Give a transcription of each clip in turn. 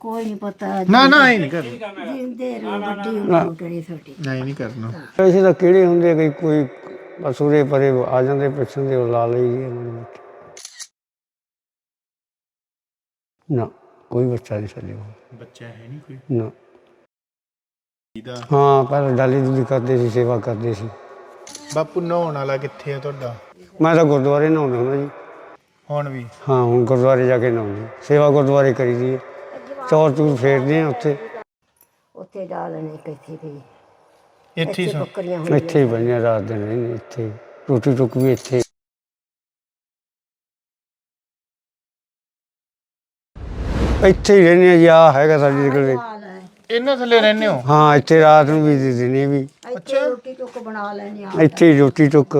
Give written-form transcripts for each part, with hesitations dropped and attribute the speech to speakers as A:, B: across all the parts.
A: कोई नहीं पता
B: ना ना ये नहीं करना
A: जिंदे रहो बड़ी उम्र करी छोटी
B: नहीं नहीं करना
C: ਵੈਸੇ ਤਾਂ ਕਿਹੜੇ ਹੁੰਦੇ ਕਈ ਕੋਈ ਬਸ ਉਰੇ ਪਰੇ ਆ ਜਾਂਦੇ ਪਿੱਛੋਂ ਦੇ ਉਹ ਲਾ ਲਈ ਦੀ ਮਾੜੀ ਮੋਟੀ। ਨਾ ਕੋਈ ਬੱਚਾ ਨਹੀਂ ਸਾਡੇ ਕੋਲ
B: ਬੱਚਾ ਹੈ ਨਹੀਂ ਕੋਈ
C: ਨਾ।
B: ਇਹਦਾ
C: ਹਾਂ ਪਹਿਲਾਂ ਡਾਲੀ ਡੂਲੀ ਕਰਦੇ ਸੀ ਸੇਵਾ ਕਰਦੇ ਸੀ।
B: ਬਾਪੂ ਨਹਾਉਣ ਵਾਲਾ ਕਿੱਥੇ ਆ ਤੁਹਾਡਾ
C: ਮੈਂ ਤਾਂ ਗੁਰਦੁਆਰੇ ਨਹਾਉਂਦਾ ਹੁੰਦਾ ਜੀ।
B: ਹੁਣ ਵੀ
C: ਹਾਂ ਹੁਣ ਗੁਰਦੁਆਰੇ ਜਾ ਕੇ ਨਹਾਉਂਦੇ ਸੇਵਾ ਗੁਰਦੁਆਰੇ ਕਰੀ ਦੀ ਹੈ। ਚੌਰ ਚੂਰ ਫੇਰਦੇ ਆ ਉੱਥੇ
A: ਉੱਥੇ ਡਾਲਣੇ ਕਿੱਥੇ ਗਈ
B: ਇੱਥੇ ਹੀ ਸੌਂ
A: ਬੱਕਰੀਆਂ
C: ਇੱਥੇ ਹੀ ਬੰਨਿਆ ਰਾਤ ਦਿਨ ਰਹਿੰਦੇ ਇੱਥੇ ਹੀ। ਰੋਟੀ ਟੁੱਕ ਵੀ ਇੱਥੇ ਹੀ। ਇੱਥੇ ਹੀ ਰਹਿੰਦੇ ਆ ਜੀ। ਆਹ ਹੈਗਾ ਸਾਡੇ ਕੋਲ।
B: ਇਹਨਾਂ ਥੱਲੇ ਰਹਿੰਦੇ ਹੋ
C: ਹਾਂ ਇੱਥੇ ਰਾਤ ਨੂੰ ਵੀ ਤੇ ਦਿਨੇ ਵੀ
A: ਇੱਥੇ ਰੋਟੀ ਟੁੱਕ ਬਣਾ ਲੈਣੀ ਆ
C: ਇੱਥੇ ਹੀ ਰੋਟੀ ਟੁੱਕ।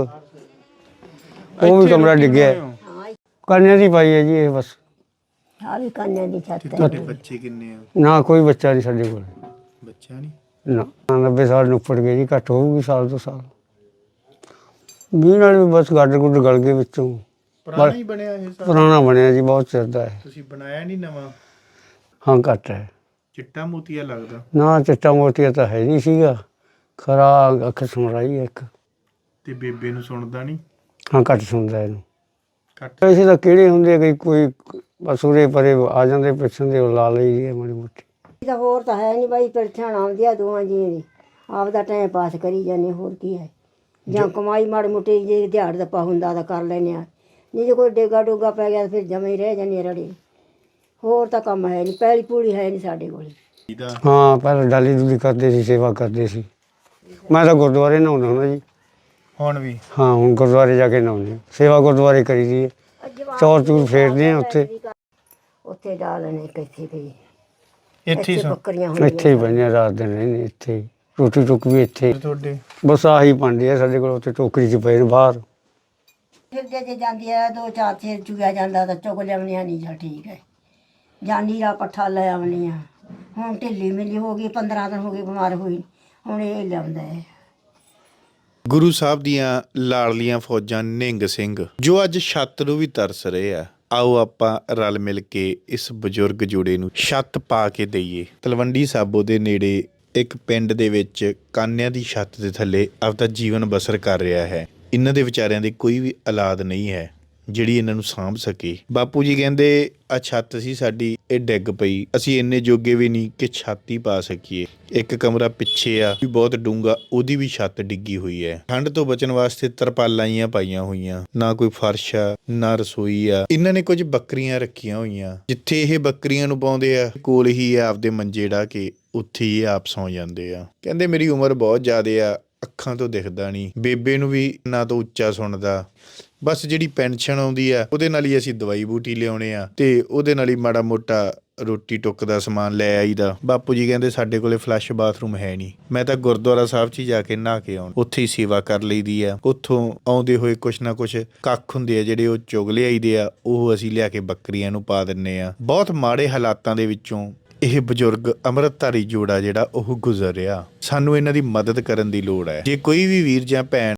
C: ਉਹ ਵੀ ਕਮਰਾ ਡਿੱਗਿਆ ਹੈ।
A: ਹਾਂ
C: ਕੰਨਿਆਂ ਦੀ ਪਾਈ ਹੈ ਜੀ ਇਹ ਬਸ।
A: ਆ ਵੀ ਕੰਨਿਆਂ ਦੀ ਛੱਤ ਹੈ
B: ਤੁਹਾਡੇ ਬੱਚੇ ਕਿੰਨੇ ਆ
C: ਨਾ ਕੋਈ ਬੱਚਾ ਨਹੀਂ ਸਾਡੇ ਕੋਲ।
B: ਬੱਚਾ ਨਹੀਂ
C: ਨਾ 90 ਸਾਲ ਨੂੰ ਉੱਪਰ ਗਏ ਜੀ। ਘੱਟ ਹੋਊਗੀ ਸਾਲ ਤੋਂ ਸਾਲ। ਮੀਂਹ ਨਾਲ ਵੀ ਬਸ ਗੱਡ ਗੁੱਡ ਗਲ ਗਏ ਵਿੱਚੋਂ।
B: ਪੁਰਾਣਾ ਹੀ ਬਣਿਆ ਇਹ ਸਾਰਾ
C: ਪੁਰਾਣਾ ਬਣਿਆ ਜੀ ਬਹੁਤ ਚਿਰ ਦਾ ਹੈ।
B: ਤੁਸੀਂ ਬਣਾਇਆ ਨਹੀਂ ਨਵਾਂ
C: ਹਾਂ ਘੱਟ ਹੈ।
B: ਚਿੱਟਾ ਮੋਤੀਆ ਲੱਗਦਾ
C: ਨਾ ਚਿੱਟਾ ਮੋਤੀਆ ਤਾਂ ਹੈ ਨਹੀਂ ਸੀਗਾ। ਖਰਾ ਅੱਖ ਸੁਣ ਰਹੀ ਹੈ ਇੱਕ।
B: ਤੇ ਬੇਬੇ ਨੂੰ ਸੁਣਦਾ ਨਹੀਂ
C: ਹਾਂ ਘੱਟ ਸੁਣਦਾ ਇਹਨੂੰ।
B: ਘੱਟ
C: ਵੈਸੇ ਤਾਂ ਕਿਹੜੇ ਹੁੰਦੇ ਕਈ ਕੋਈ ਬਸ ਉਰੇ ਪਰੇ ਆ ਜਾਂਦੇ ਪਿੱਛੋਂ ਦੇ ਉਹ ਲਾ ਲਈ ਦੀ ਹੈ ਮਾੜੀ ਮੋਟੀ।
A: ਇਹ ਤਾਂ ਹੋਰ ਤਾਂ ਹੈ ਨਹੀਂ ਬਾਈ ਪਰਛਾਣ ਆਉਂਦੀ ਆ ਦੋਵਾਂ ਜੀਆਂ ਦੀ ਆਪਦਾ ਟਾਈਮ ਪਾਸ ਕਰੀ ਜਾਂਦੇ ਹੋਰ ਕੀ ਹੈ ਜਾਂ ਕਮਾਈ ਮਾੜੀ ਮੋਟੀ ਜੇ ਦਿਹਾੜ ਦੱਪਾ ਹੁੰਦਾ ਤਾਂ ਕਰ ਲੈਂਦੇ ਆ ਨਹੀਂ ਜੇ ਕੋਈ ਡੇਗਾ ਡੋਗਾ ਪੈ ਗਿਆ ਤਾਂ ਫਿਰ ਜਮੇ ਹੀ ਰਹਿ ਜਾਂਦੇ ਰੜੇ ਹੋਰ ਤਾਂ ਕੰਮ ਹੈ ਨਹੀਂ ਪੈਲੀ ਪੂੜੀ ਹੈ ਨਹੀਂ ਸਾਡੇ ਕੋਲ
B: ਇਹਦਾ
C: ਹਾਂ ਪਹਿਲਾਂ ਡਾਲੀ ਡੂਲੀ ਕਰਦੇ ਸੀ ਸੇਵਾ ਕਰਦੇ ਸੀ। ਮੈਂ ਤਾਂ ਗੁਰਦੁਆਰੇ ਨਹਾਉਂਦਾ ਹੁੰਦਾ ਜੀ।
B: ਹੁਣ ਵੀ
C: ਹਾਂ ਹੁਣ ਗੁਰਦੁਆਰੇ ਜਾ ਕੇ ਨਹਾਉਂਦੇ ਸੇਵਾ ਗੁਰਦੁਆਰੇ ਕਰੀ ਦੀ ਹੈ। ਚੌਰ ਚੂਰ ਫੇਰਦੇ ਆ ਉੱਥੇ
A: ਉੱਥੇ ਡਾਲਣੇ ਕਿੱਥੇ ਗਈ
B: ਇੱਥੇ ਹੀ ਸੌਂ
A: ਬੱਕਰੀਆਂ
C: ਇੱਥੇ ਹੀ ਬੰਨਿਆ ਰਾਤ ਦਿਨ ਰਹਿੰਦੇ ਇੱਥੇ ਹੀ। ਰੋਟੀ ਟੁੱਕ ਵੀ ਇੱਥੇ ਹੀ।
B: ਤੁਹਾਡੇ
C: ਬਸ ਆਹੀ ਭਾਂਡੇ ਆ ਸਾਡੇ ਕੋਲ। ਉੱਥੇ ਟੋਕਰੀ 'ਚ ਪਏ ਨੇ ਬਾਹਰ।
A: ਫਿਰ ਜੇ ਜਾਂਦੀ ਹੈ ਦੋ ਚਾਰ ਚੇਰ ਚੁਗਿਆ ਜਾਂਦਾ ਤਾਂ ਚੁਗ ਲਿਆਉਣੀਆਂ ਨਹੀਂ ਜਾਂ ਠੀਕ ਹੈ ਜਾਂਦੀ ਦਾ ਪੱਠਾ ਲੈ ਆਉਣੀ ਆ ਹੁਣ ਢਿੱਲੀ ਮਿਲੀ ਹੋ ਗਈ 15 ਦਿਨ ਹੋ ਗਏ ਬਿਮਾਰ ਹੋਈ ਹੁਣ ਇਹ ਲਿਆਉਂਦਾ ਹੈ
D: ਗੁਰੂ ਸਾਹਿਬ ਦੀਆਂ ਲਾਡਲੀਆਂ ਫੌਜਾਂ ਨਿਹੰਗ ਸਿੰਘ ਜੋ ਅੱਜ ਛੱਤ ਨੂੰ ਵੀ ਤਰਸ ਰਹੇ ਆ। ਆਓ ਆਪਾਂ ਰਲ ਮਿਲ ਕੇ ਇਸ ਬਜ਼ੁਰਗ ਜੋੜੇ ਨੂੰ ਛੱਤ ਪਾ ਕੇ ਦਈਏ। ਤਲਵੰਡੀ ਸਾਬੋ ਦੇ ਨੇੜੇ ਇੱਕ ਪਿੰਡ ਦੇ ਵਿੱਚ ਕਾਨਿਆਂ ਦੀ ਛੱਤ ਦੇ ਥੱਲੇ ਆਪਦਾ ਜੀਵਨ ਬਸਰ ਕਰ ਰਿਹਾ ਹੈ। ਇਹਨਾਂ ਦੇ ਵਿਚਾਰਿਆਂ ਦੀ ਕੋਈ ਵੀ ਔਲਾਦ ਨਹੀਂ ਹੈ ਜਿਹੜੀ ਇਹਨਾਂ ਨੂੰ ਸਾਂਭ ਸਕੇ। ਬਾਪੂ ਜੀ ਕਹਿੰਦੇ ਆ ਛੱਤ ਸੀ ਸਾਡੀ ਇਹ ਡਿੱਗ ਪਈ ਅਸੀਂ ਇੰਨੇ ਜੋਗੇ ਵੀ ਨਹੀਂ ਕਿ ਛੱਤ ਹੀ ਪਾ ਸਕੀਏ। ਇੱਕ ਕਮਰਾ ਪਿੱਛੇ ਆ ਵੀ ਬਹੁਤ ਡੂੰਘਾ ਉਹਦੀ ਵੀ ਛੱਤ ਡਿੱਗੀ ਹੋਈ ਹੈ। ਠੰਡ ਤੋਂ ਬਚਣ ਵਾਸਤੇ ਤਰਪਾਲਾਂ ਹੀ ਪਾਈਆਂ ਹੋਈਆਂ ਨਾ ਕੋਈ ਫਰਸ਼ ਆ ਨਾ ਰਸੋਈ ਆ। ਇਹਨਾਂ ਨੇ ਕੁਝ ਬੱਕਰੀਆਂ ਰੱਖੀਆਂ ਹੋਈਆਂ ਜਿੱਥੇ ਇਹ ਬੱਕਰੀਆਂ ਨੂੰ ਪਾਉਂਦੇ ਆ ਕੋਲ ਹੀ ਆ ਆਪਦੇ ਮੰਜੇ ਢਾ ਕੇ ਉੱਥੇ ਹੀ ਆਪ ਸੌਂ ਜਾਂਦੇ ਆ। ਕਹਿੰਦੇ ਮੇਰੀ ਉਮਰ ਬਹੁਤ ਜ਼ਿਆਦੇ ਆ ਅੱਖਾਂ ਤੋਂ ਦਿਖਦਾ ਨਹੀਂ ਬੇਬੇ ਨੂੰ ਵੀ ਨਾ ਤੋਂ ਉੱਚਾ ਸੁਣਦਾ ਬਸ ਜਿਹੜੀ ਪੈਨਸ਼ਨ ਆਉਂਦੀ ਆ ਉਹਦੇ ਨਾਲ ਹੀ ਅਸੀਂ ਦਵਾਈ ਬੂਟੀ ਲਿਆਉਣੇ ਆ ਤੇ ਉਹਦੇ ਨਾਲ ਹੀ ਮਾੜਾ ਮੋਟਾ ਰੋਟੀ ਟੁੱਕ ਦਾ ਸਮਾਨ ਲੈ ਆਈਦਾ। ਬਾਪੂ ਜੀ ਕਹਿੰਦੇ ਸਾਡੇ ਕੋਲੇ ਫਲੱਸ਼ ਬਾਥਰੂਮ ਹੈ ਨਹੀਂ। ਮੈਂ ਤਾਂ ਗੁਰਦੁਆਰਾ ਸਾਹਿਬ 'ਚ ਹੀ ਜਾ ਕੇ ਨਹਾ ਕੇ ਆਉਣ ਉੱਥੇ ਹੀ ਸੇਵਾ ਕਰ ਲਈਦੀ ਆ। ਉੱਥੋਂ ਆਉਂਦੇ ਹੋਏ ਕੁਛ ਨਾ ਕੁਛ ਕੱਖ ਹੁੰਦੇ ਆ ਜਿਹੜੇ ਉਹ ਚੁਗ ਲਿਆਈਦੇ ਆ ਉਹ ਅਸੀਂ ਲਿਆ ਕੇ ਬੱਕਰੀਆਂ ਨੂੰ ਪਾ ਦਿੰਨੇ ਆ। ਬਹੁਤ ਮਾੜੇ ਹਾਲਾਤਾਂ ਦੇ ਵਿੱਚੋਂ ਇਹ ਬਜ਼ੁਰਗ ਅੰਮ੍ਰਿਤਧਾਰੀ ਜੋੜਾ ਜਿਹੜਾ ਉਹ ਗੁਜ਼ਰ ਰਿਹਾ। ਸਾਨੂੰ ਇਹਨਾਂ ਦੀ ਮਦਦ ਕਰਨ ਦੀ ਲੋੜ ਹੈ। ਜੇ ਕੋਈ ਵੀ ਵੀਰ ਜਾਂ ਭੈਣ